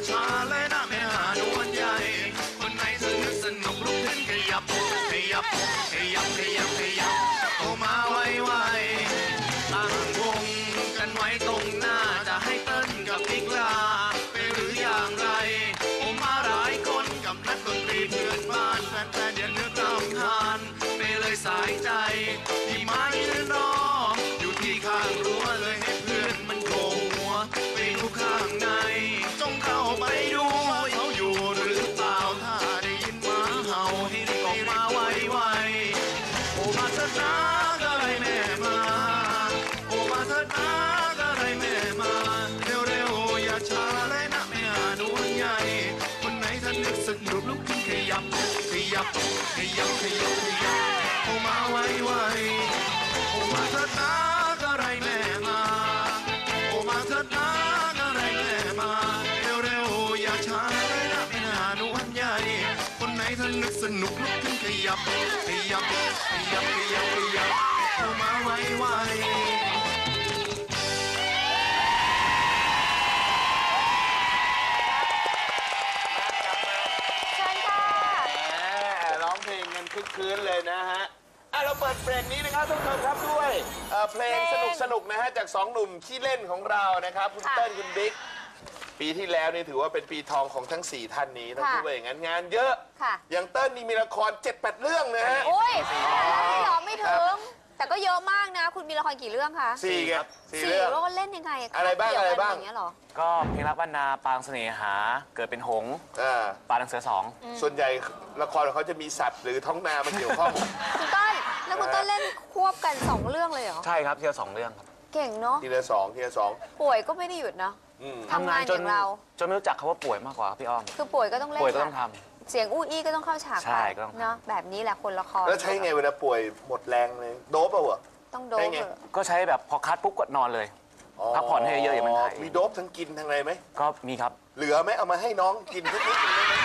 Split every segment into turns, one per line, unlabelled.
ช้าเลยนะแม่หานวลใหญ่คนไหนเธอนึกสนุกลุกขึ้นขยับขยับขยับขยับขยับโตมาไวๆตั้งวงกันไว้ตรงหน้าจะให้เต้นกับพิกลาไปหรืออย่างไรโอมาหลายคนกับนักดนตรีเพื่อนบ้านแฟนๆอย่าเลือกตามทานไปเลยสายใจที่มายืนรออยู่ที่ข้างรั้วเลยให้เพื่อนมันโผล่หัวไปดูข้างในจงเข้าไปดูว่าเขาอยู่หรือเปล่าถ้าได้ยินหมาเห่าให้รีบออกมาไวๆโอมาเถิดนะก็ไรแม่มาโอมาเถิดนะก็ไรแม่มาเร็วๆอย่าช้าเลยนะแม่นวลใหญ่คนไหนท่านนึกสนุกลุกขึ้นขยับขยับขยับขยับขยับโอมาไวๆโอมาเถิดนะก็ไรแม่มาโอมาเถิดนะก็ไรแม่มาเร็วๆอย่าช้าเลยนะแม่นวลใหญ่คนไหนท่านนึกสนุกลุกขึ้นขยับขยับขยับขยับขยับโอมาไวๆ
เชิญค่ะ
ร้องเพลงกันคึกคืนเลยนะฮะเราเปิดเพลงนี้นะครับทุกคนครับด้วยเพลงสนุกนะฮะจากสองหนุ่มขี้เล่นของเรานะครับคุณเติ้ลคุณบิ๊กปีที่แล้วนี่ถือว่าเป็นปีทองของทั้ง4ท่านนี้ต้องพูดว่าอย่างนั้นงานเยอะอย่างเติ้ลนี่มีละคร 7-8 เรื่องนะฮะ
โอ้ยไม่หรอไม่ถึงแต่ก็เยอะมากนะคุณมีละครกี่เรื่องคะ
4ครับ4
4
เรื่อง
แล้วก็เล่นยังไง
อะไรบ้าง
อย่างเงี้ยหรอ
ก็เพลงรักบ้านนาปางเสน่หาเกิดเป็นหงส์ปลาดังเสือ2
ส่วนใหญ่ละครของเขาจะมีสัตว์หรือท้องนามาเกี่ยวข้อง
คุณต้นแล้วคุณต้นเล่นควบกัน2เรื่องเลยเหรอ
ใช่ครับทีละ2 เรื่องครับ
เก่งเนาะ
ทีละ2
ป่วยก็ไม่ได้หยุดนะทำงานอย่างเรา
จนไม่รู้จักคำว่าป่วยมากกว่าพี่อ้อม
คือป่วยก็ต้องเล่น
ป่วยก็ต้องท
ำเสียงอู้อี้ก็ต้องเข้าฉากไปเนาะแบบนี้แหละคนละคร
แล้วใช้ไงเวลาป่วยหมดแรงเลยโดปเปล่า
ต้องโดป
ก็ใช้แบบพอคัดปุ๊บก็นอนเลยพักผ่อนให้เยอะอย่ามันหาย
มีโดปทั้งกินทั้งอะไรไหม
ก็มีครับ
เหลือไหมเอามาให้น้องกินทุกนิดนึงได้ไหม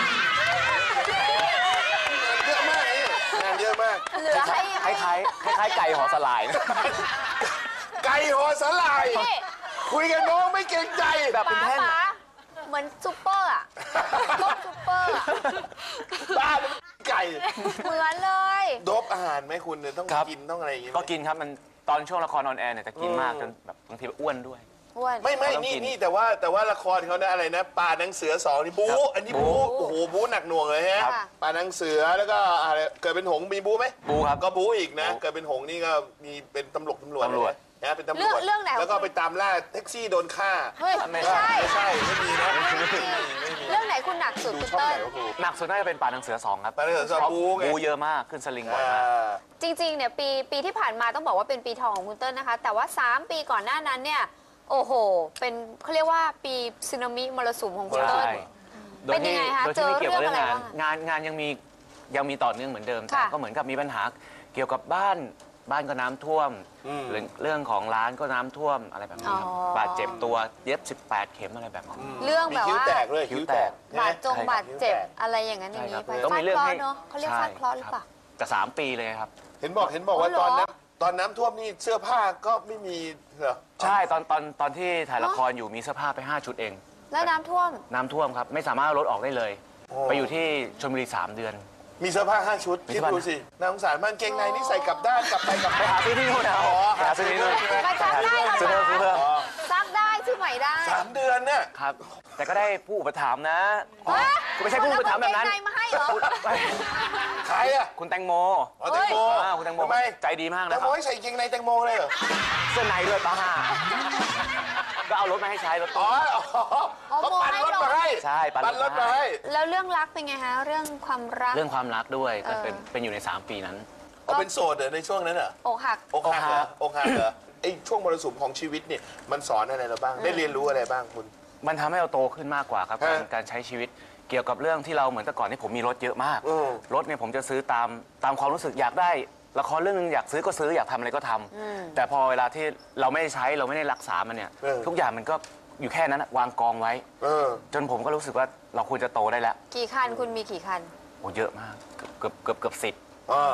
เยอะมากงานเยอะมาก
เหลือ
คล้ายไก่ห่อสลายนะ
ไก่ห่อสลายคุยกับน้องไม่เกรงใจ
แบบเป็นแท่ง
เหมือนซุปเปอร์อะต้มซุปเปอร์อะ
บ้าไก่
เหมือนเลย
โดปอาหารไหมคุณเนี่ยต้องกินต้องอะไรอย่างเงี้ย
ก็กินครับมันตอนช่วงละครออนแอร์เนี่ยจะกินมากจนแบบบางทีอ้วนด้วย
ไม่นี่แต่ว่าละครเขาเนี่ยอะไรนะป่านังเสือ2นี่บู๊อันนี้บู๊โอ้โหบู๊หนักหน่วงเลยฮะป่านังเสือแล้วก็อะไรเกิดเป็นหงมีบู๊ไหม
บู๊ครับ
ก็บู๊อีกนะเกิดเป็นหงนี่ก็มีเป็นตำรวจนะเป็นตำรวจ
เรื่องไหน
แล้วก็ไปตามล่าแท็กซี่โดนฆ่า
ไม่ใช่
ไม่มีนะ
เรื่องไหนคุณหนักสุดคุณเติ้ล
หนักสุดน่าจะเป็นป่านังเสือ2ครับ
ป่านังเสือ2
บู๊เยอะมากขึ้นสลิงบ่อยมาก
จริงๆเนี่ยปีที่ผ่านมาต้องบอกว่าเป็นปีทองของคุณเติ้ลนะคะแต่ว่า3 ปีก่อนหน้านั้นเนี่ยโอ้โหเป็นเขาเรียกว่าปีสึนามิมรสุมของคุณเติ้ลเป็นยังไงคะเจอเรื่องอะไรบ้าง
งานยังมีต่อเนื่องเหมือนเดิมแต่ก็เหมือนกับมีปัญหาเกี่ยวกับบ้านก็น้ำท่วมเรื่องของร้านก็น้ำท่วมอะไรแบบนี้ครับบาดเจ็บตัวเย็บ18 เข็มอะไรแบบนี้
เรื่องแบบว่า
คิ้วแตกเลยคิ้วแตก
บาดเจ็บอะไรอย่างนั้นอย่างนี้ไปฟาดเคราะห์เนาะเขาเรียกฟาดเคราะห์หรือเปล่า
แต่3 ปีเลยครับ
เห็นบอกว่าตอนน้ำท่วมนี่เสื้อผ้าก็ไม่มีเหรอ
ใช่ตอนที่ถ่ายละครอยู่มีเสื้อผ้าไป5 ชุดเอง
แล้วน้ำท่วม
ครับไม่สามารถรถออกได้เลยไปอยู่ที่ชลบุรี3 เดือน
มีเสื้อผ้า5 ชุดคิดดูสิน่าสงสารมากเกงในนี่ใส่กลับด้านกลับไปกลับมา
หาซื้อที่นู่นนะหาซื้อที่นู่น
มาซักได้
ซื้อเพิ่ม
ซักได้ซื้อใหม่ได้
3 เดือนเนี่ย
ครับแต่ก็ได้ผู้อุปถัมภ์นะไม่ใช่ผู้อุปถัมภ์แบบนั้น
มาให้เหรอ
ใครอะ
คุณแตงโม
คุณแตงโม
ใจดีมากนะ
แตงโมให้ใส่เกงในแตงโมเลยเหรอ
เสื้อในด้วยป้าก็เอารถมาให้ใช้รถ
เขาปั่นรถมาให้
ใช่
ปั่นรถมาให้
แล้วเรื่องรักเป็นไงฮะเรื่องความรัก
ด้วยก็เป็นอยู่ใน3 ปีนั้น
เป็นโสดในช่วงนั้นเหรอ
อกหัก
เหรอไอ้ช่วงมรสุมของชีวิตเนี่ยมันสอนอะไรเราบ้างได้เรียนรู้อะไรบ้างคุณ
มันทำให้เราโตขึ้นมากกว่าครับการใช้ชีวิตเกี่ยวกับเรื่องที่เราเหมือนแต่ก่อนที่ผมมีรถเยอะมากรถเนี่ยผมจะซื้อตามความรู้สึกอยากได้ละครเรื่องนึงอยากซื้อก็ซื้ออยากทำอะไรก็ทำแต่พอเวลาที่เราไม่ได้ใช้เราไม่ได้รักษามันเนี่ยทุกอย่างมันก็อยู่แค่นั้นวางกองไว้จนผมก็รู้สึกว่าเราควรจะโตได้แล้ว
กี่คันคุณมีกี่คัน
โอ้เยอะมากเกือบ10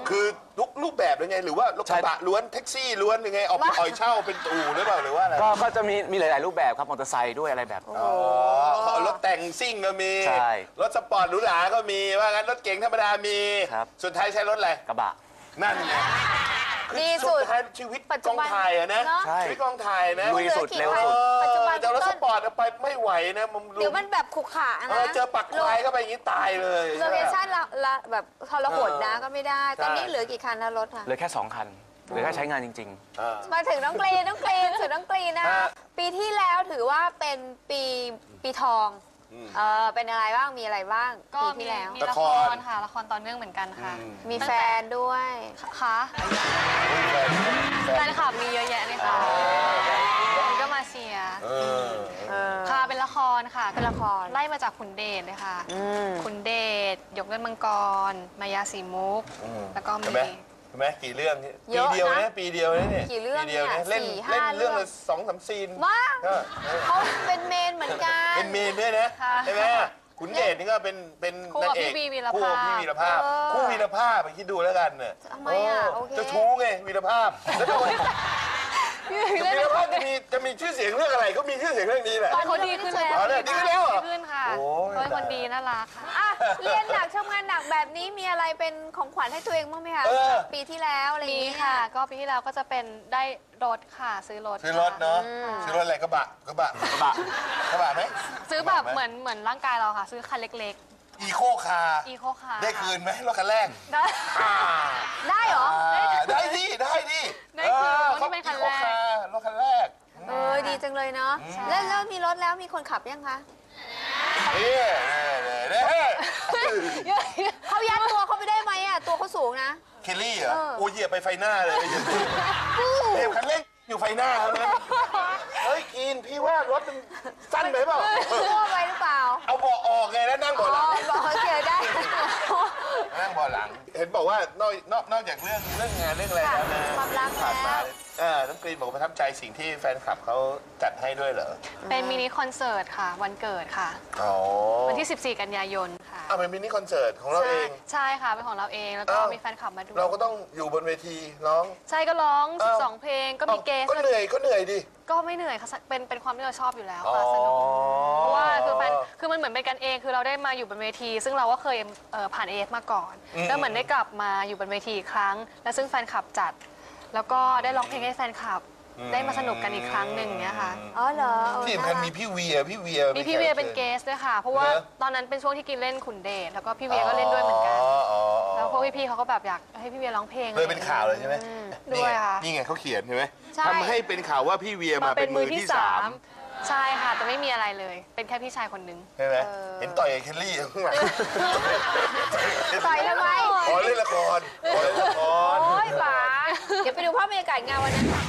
คือทุกรูปแบบเลยไงหรือว่ารถกระบะล้วนแท็กซี่ล้วนยังไงออกไปอ่อยเช่าเป็นอู่หรือเปล่าหรือว่าอะไร
ก็จะมีหลาย ๆ รูปแบบครับมอเตอร์ไซค์ด้วยอะไรแบบ
อ๋อรถแต่งซิ่งก็มี
ใช่
รถสปอร์ตหรูหราก็มีว่างั้นรถเก๋งธรรมดามี
ครับ
สุดท้ายใช้รถอะไร
กระบะ
นั่นไง
ดีสุด
ท้ายชีวิต
ปัจ
ก
จุ
อง
บัน
ถ่ายอะนะ
เนอะ
ใช่
ชีวิตกองถ่ายนะ
ลุยสุดเร็วสุด
ปัจจุบัน
แต่รถสปอร์ตเอาไปไม่ไหวนะมัน
เดี๋ยวมันแบบขรุขระ
เอ
นะ
อเจอปักควายเข้าไปอย่างนี้ตายเลย
โลเคชั่นละแบบทรหดนะก็ไม่ได้ ตอนนี้
ใช่
เหลือกี่คันนะรถค่ะ
เหลือแค่ 2 คันเหลือแค่ใช้งานจริง
มาถึงน้องกรีนถึงน้องกรีนนะ
ฮะ
ปีที่แล้วถือว่าเป็นปีทองเป็นอะไรบ้างมีอะไรบ้าง
ก็
ปี
มี
ที่แล้ว
มีละครค่ะละครต่อเนื่องเหมือนกันค่ะ
มีแฟนด้วย
ค่ะแฟนคลับมีเยอะแยะเลยค่ะคนก็มาเชียร์ค่ะเป็นละครค่ะ
เป็นละคร
ไล่มาจากขุนเดชเลยค่ะขุนเดชยกเล่นมังกร มายาสีมุก แล้วก็
เห็น
มี
ไหมเห็นไหมกี่เรื่องเนี่ย
เยอะนะ
ปีเดียวนะปีเดียวนะเนี่ย
กี่เรื่อง
ปีดียว
เนี่ย
เล่น
สี่
เล่น
ห้า
เรื่อง
เรื่
ละ
อง
2-3 ซีน
ว้า
ก็
เขาเป็นเมนเหมือนกัน
เป็นเมนด้วยนะ
ค่ะ
ใช่ไหมขุนเดชนี่ก็เป็น
คู่กับ
นางเอก
พี่วีวีรภาพ
คู่กับพี่วีรภาพคู่วีรภาพไปคิดดูแล้วกันเนี่ย
ทำไมอ่ะโอเค
เจะชู้ไงวีรภาพแล้วทำไมวีรภาพจะมีชื่อเสียงเรื่องอะไรก็มีชื่อเสียงเรื่องนี้แหละ
ตอนเขาดีขึ้นแล้ว
อ๋อเนี่ยดีขึ้นแล้วเหรอ
ดีขึ้นค่ะ
โอ้ย
เขาเป็นคนดีน่ารักค่ะ
อ่ะเรียนหนักทำงานหนักแบบนี้มีอะไรเป็นของขวัญให้ตัวเองบ้างไหมคะ
เออ
ปีที่แล้วอะไรอย่าง
มี
เงี้ย
ค่ะ ก็ปีที่แล้วก็จะเป็นได้รถค่ะซื้อรถ
ซื้อรถเนาะซื้อรถอะไรกระบะกระบะไหม
ซื้อแบบเหมือนร่างกายเราค่ะ ซื้อคันเล็ก
อีโคคาร์
ๆ อีโคคาร์
ได้คืนไหมรถคันแรก
ได้
ได้เหรอ
ได้ดิได้ดิ
ได้คืนรถที่เป็นคันแรก
รถคันแรก
ดีจังเลยเนาะแล้วมีรถแล้วมีคนขับยังคะ
นี่นี่
เขายัดตัวเขาไปได้ไหมอ่ะตัวเขาสูงนะ
เคลลี่เหรอโอ้ยเหยียบไปไฟหน้าเลยเทปคันเร่งอยู่ไฟหน้าเขานะเฮ้ยกินพี่ว่ารถมันสั้นไปเปล่า
ทั่วไปหรือเปล่า
เอาเบาะออกไงแล้วนั่งเบาะหลัง
บอกเขาเจอได้
นั่งเบาะหลัง เห็นบอกว่านอกจากเรื่องงานเรื่องอะไรแล้วนะ
ความรัก
ผ่านมา
แล้ว
น้องกรีนบอกว่าประทับใจสิ่งที่แฟนคลับเขาจัดให้ด้วยเหรอ
เป็นมินิคอนเสิร์ตค่ะ วันเกิดค่ะ
อ๋อ
วันที่ 14 กันยายนค่ะ
เอาเป็นมินิคอนเสิร์ตของเราเอง
ใช่ค่ะ เป็นของเราเอง แล้วก็
อ้าว
มีแฟนคลับมาดู
เราก็ต้องอยู่บนเวทีร้อง
ใช่ก็ร้อง
อ้าว
12 เพลง ก็มีเกส
ก็เหนื่อยดิ
ก็ไม่เหนื่อยค่ะ เป็นความที่เราชอบอยู่แล้วค่ะ สนุก เพราะว่าคือมันเหมือนเป็นกันเอง คือเราได้มาอยู่บนเวที ซึ่งเราก็เคยผ่านเอฟมาก่อน แล้วเหมือนได้กลับมาอยู่บนเวทีอีกครั้ง และซึ่งแฟนคลับจัด แล้วก็ได้ร้องเพลงให้แฟนคลับ ได้มาสนุกกันอีกครั้งหนึ่งเนี้ยค่ะ
อ๋อเหรอ
ที่สำคัญมีพี่เวีย
มีพี่เวียเป็นเกสด้วยค่ะ เพราะว่า
เหรอ
ตอนนั้นเป็นช่วงที่กินเล่นขุนเดชแล้วก็พี่เวียก็เล่นด้วยเหมือนกัน แล้วพวกพี่ๆเขาก็แบบอยากให้พี่เวียร้องเพลง
เลยเป็นข่าวเลยใช่ไหม
ด้วยค่ะ
นี่ไงเขาเขียนใช่ไหม
ใช่
ทำให้เป็นข่าวว่าพี่เวียมาเป็นมือที่สาม
ใช่ค่ะ แต่ไม่มีอะไรเลย เป็นแค่พี่ชายคนนึง
ใช่ไหมเห็นต่อยกับเคลลี่ข้างหลัง
ต่อยทำไม
ขอเล่นละครขอเล่นละคร
โอ้ยป๋าเดี๋ยวไปดูภาพบรรยากาศงานวันนั้นค่ะ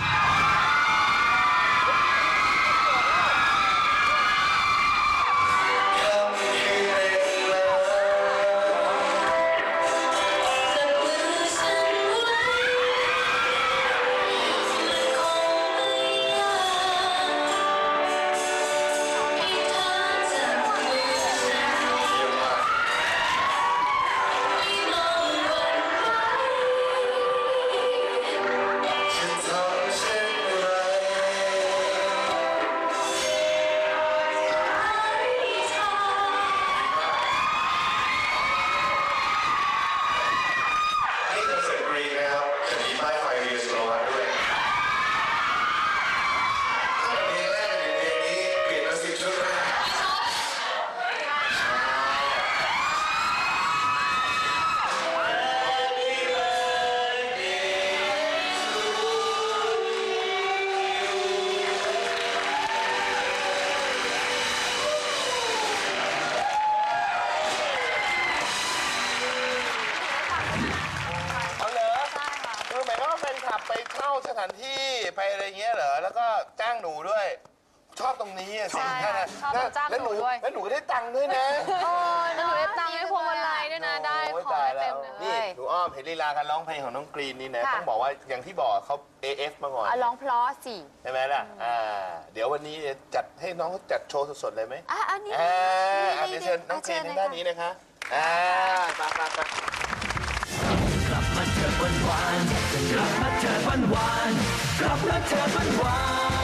นี่คอนเสิร์ตกรีนนะครับจะมีป้ายไฟเรียสโลมาด้วยเพลงแรกในเพลงนี้เปลี่ยนมา10 ชุดนะเอาเหรอ
ใช่ค่ะ
คือหมายความว่าแฟนคลับไปเช่าสถานที่ไปอะไรเงี้ยเหรอ แล้วก็จ้างหนูด้วย ชอบตรงนี้อะสิ
ใช่ค่ะชอบคนจ้างหนูด้วย
แล้วหนูก็ได้ตังค์ด้วยนะ
แล้วหนูได้ตังค์ให้พวงมาลัยด้วยนะ ได้
โย
ของ
ตาย
ได้
แล้
เต็
ว
มเลย
นี่หนูอ้อมเห็นลีลาการร้องเพลงของน้องกรีนนี่นะ
ค่ะ
ต้องบอกว่าอย่างที่บอกเขา AF มาก่อน
เอาร้องเพราะสิ
ใช่ไหมล่ะเดี๋ยววันนี้จัดให้น้องเขาจัดโชว์สดๆเลยไหม
อันนี้
เดี๋ยวเชิญน้องกรีนทางด้านนี้นะคะไป
กลับมาเจอ
หวานๆกลับมาเถิดหวานๆกลับมาเถิดหวานๆ